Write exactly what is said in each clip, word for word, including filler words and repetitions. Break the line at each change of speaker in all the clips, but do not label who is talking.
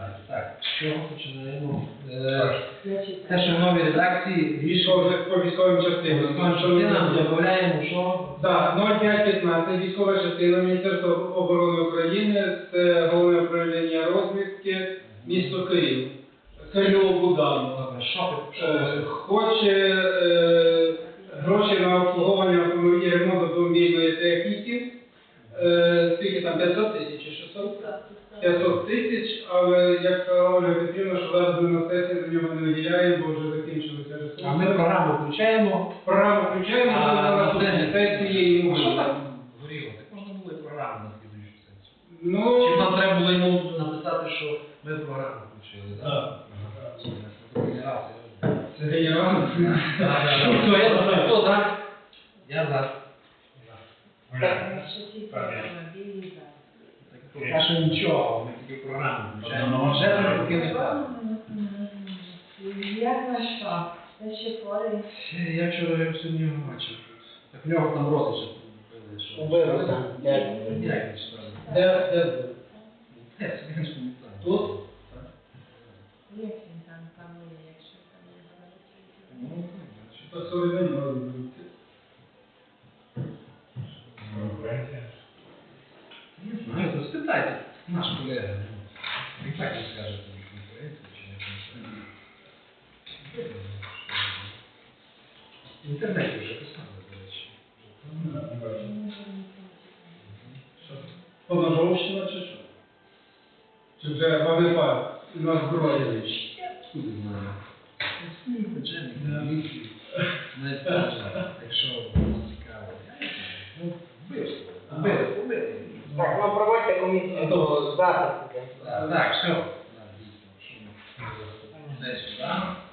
питання. Так, з чого починаємо? Те, що в новій редакції
Військові по військовим частинам.
частинам додаємо, що?
Так, нуль п'ять п'ятнадцять, військова частина Міністерства оборони України, це головне управління розвідки, місто Київ. Кирило Буданов.
Що?
Е, Хоче е, гроші на обслуговування автомобілів, ремонт автомобільної техніки. Е, Скільки там, п'ятсот тисяч чи шістсот? п'ятсот тисяч, але як сказала Ольга Петрівна, що зараз ми на сесії за нього не виділяємо, бо вже закінчилися ресурси.
А ми програму включаємо.
Програму включаємо,
А,
на наступній сесії йому.
А що так горіло? Так можна було і програму на слідуючу сесію.
Ну,
Чи нам треба було йому написати, що ми програму включили, так?
Так.
Це генерал.
це генерал.
Що, я за хто за? Я за. Поки що нічого, ми тільки програму включаємо. Вже ми поки не так.
Як на що? Це ще хворий.
Я вчора його сьогодні бачив. Так в нього там родичі побили, що...
Убили там,
Як
як?
не читали?
Де, де?
Де, це він ж пам'ятає.
Тут?
Як він там панує, якщо там не говорить?
Ну, так,
Що то сьогодні не може бути.
не знаю, то спитайте. Наш колега. Він так не скаже, тому що конкуренція чи не конкуренція. В інтернеті вже писали, до речі.
Що? Поножовщина чи що? Чи вже ВВП на зброї?
Куди знаю. Ні, начальник, міліції. Не скаже, якщо вам цікаво. Ну, вбивство. Вбили, вбили.
Так, ну проводьте комісію до запису.
Так, так, все. Так, дійсно, що ми десь сюди.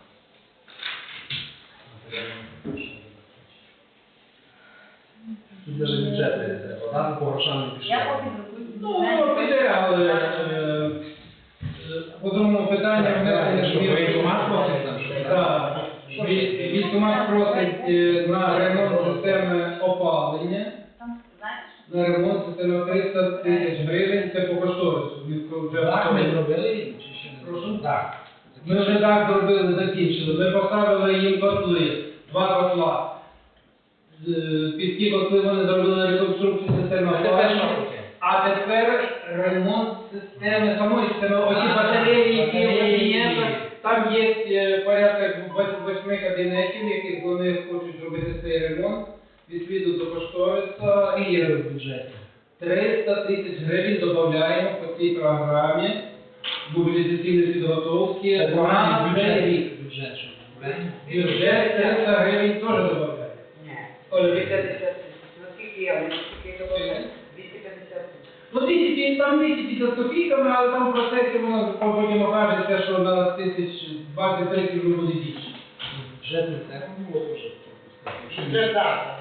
Тут навіть бюджет не треба, так? По грошам не пішло.
Я поки друкую.
Ну, піде, але е, е, по другому питанню внесення
Що, воєнкомат просить там, що?
Так. Вій- Військкомат просить е, на ремонт системи опалення.
Там, знаєш?
На ремонт системи триста тисяч гривень, це по кошторису. Міського бюджету.
Так, ми зробили, чи ще не
Прошу?
Так.
Ми вже так зробили, закінчили. Ми поставили їм котли, два котла. З- Під ті котли вони зробили реконструкцію системи
А тепер
опалення.
що таке?
А тепер ремонт системи самої системи. Оці батареї, які в кабінетах, там є е, порядка вось- восьми кабінетів, яких вони хочуть зробити цей ремонт. Відповідно до кошториса
І є в бюджеті.
триста тисяч гривень додаємо по цій програмі мобілізаційної підготовки
Це
на
програмний
цей
бюджет.
рік.
Бюджет, що правильно?
Бюджет триста гривень теж додаємо.
Ні.
Оля,
двісті п'ятдесят тисяч. Ну скільки я? Скільки добавляю? двісті п'ятдесят тисяч.
Ну, двісті, там двісті п'ятдесят з копійками, але там в процесі воно потім окажеться, що на тисяч двадцять тридцять вже буде більше.
Бюджет не треба було дуже.
Це так.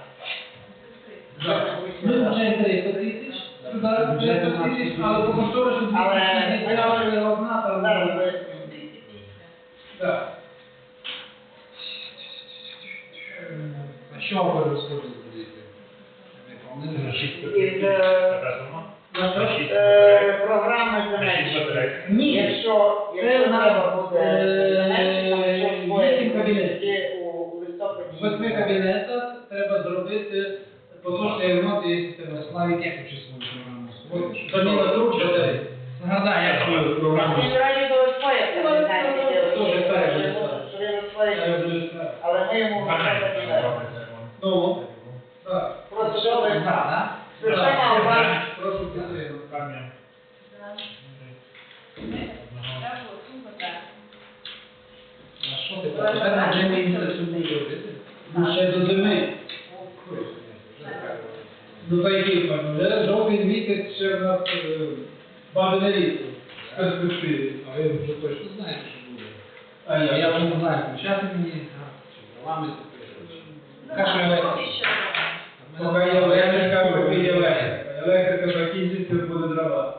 Ми включаємо триста тисяч, туди триста тисяч, але по кошторису
Але-
двісті тисяч одна, там...
Зараз ви-
Так.
А що ви розходили будете? Не пам'ятаю.
Із е, е, програми земельної.
Ні.
Якщо якщо
Це на-
треба буде
е,
земельні, там щось
вісім кабінетів.
буде у листопаді.
В восьми кабінетах треба зробити поточний ремонт і системи.
Славік, як учить свою програму?
Заміна труб батарей.
Нагадай, як свою програму.
Він раді до розпояти,
Ну,
не знаю,
це
де
теж
ви-
правильно.
що він розпояти. Але ми йому не даємо.
Ну, так.
Просто що ви
Так,
система у вас
Прошу підтримати.
а що ти? Тепер на джемі інтересує робити?
Ну, ще до зими. Ну, та який пан? Вже жовтий місяць ще в нас е, бабине літо. В перспективі.
А ви вже точно знаєте, що буде?
А
А
я,
я вже не знаю, включати мені, чи правами
Каша електрика. Поки є електрика, поки є електрика. Електрика закінчиться, буде дрова.